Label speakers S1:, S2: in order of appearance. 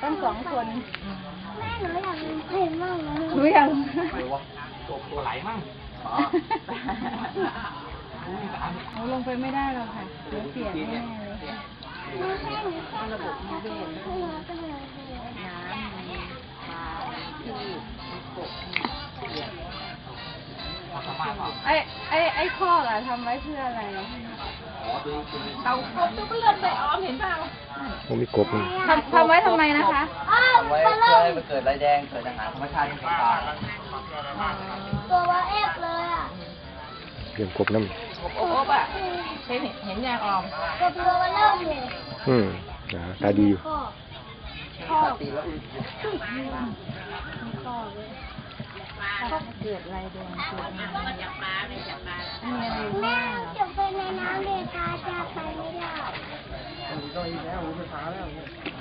S1: ตั้ง2 คน
S2: แม่หนูอยากเห็นมากเลย
S1: หนูยัง
S3: ตัวไหลมั่ง
S1: หนูลงไปไม่ได้หรอกค่ะเดี๋ยวเสียแน่เลย
S2: ไม่ใช่หนูแค่ระบบนิเวศน้ำมีปลาที่มีกบ
S1: ไอ้ข้อล่ะทำไว้เพื่ออะไร
S3: เต่ากบตัวเลือดไปออมเห็นเปล่า
S4: ผมมีกบนี่
S1: ทำไว้ทำไมนะคะ
S3: ทำไว้เพื่อให้มันเกิดลายแดงเกิดอาหารธรรมชาติให้ปลา
S2: ตัวว่าเอฟเลยอ่ะ
S4: เลี้ยงกบน้ำ
S3: กบอ่ะเห็นยางออม
S2: กบตัวว่าเริ่มเลย
S4: ตาดีอยู่
S1: ข้อ
S3: ตีแล้ว
S1: ข้อเกิดลายแดงเกิดอะไรมีอะไร
S2: แม่
S1: บ้าง
S2: จะไปในน้ำเลยค่ะจะไปไม่ได้
S3: ต้องอีกแล้วมันช้าแล้ว